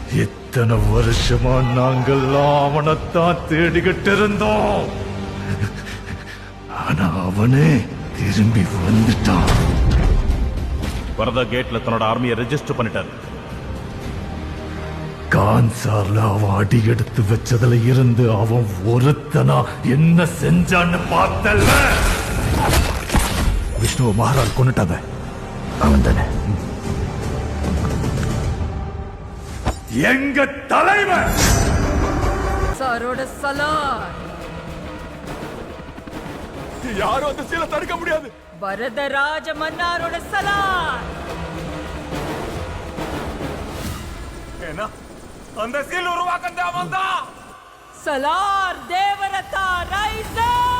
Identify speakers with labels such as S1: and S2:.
S1: இத்தனை வருஷமா நாங்கள் அவனைத்தான் தேடிக்கிட்டு இருந்தோம். ஆனா அவனே திரும்பி வந்துட்டான்.
S2: வரதா கேட்ல தன்னோட ஆர்மியை ரெஜிஸ்டர் பண்ணிட்டாரு.
S1: கான்சார்ல அவன் அடி எடுத்து வச்சதுல இருந்து அவன் ஒருத்தனா என்ன செஞ்சான்னு பார்த்தல்ல. விஷ்ணுவ மகாராஜ் கொண்டுட்டாங்க. அவன் தானே எங்க தலைவன்.
S3: சாரோட சலார்.
S4: யாரும் அந்த சீலை தடுக்க முடியாது.
S3: வரதராஜ மன்னாரோட சலார்.
S4: ஏன்னா அந்த சீல் உருவாக்க அவன் தான்.
S3: சலார் தேவரதா ரைசர்.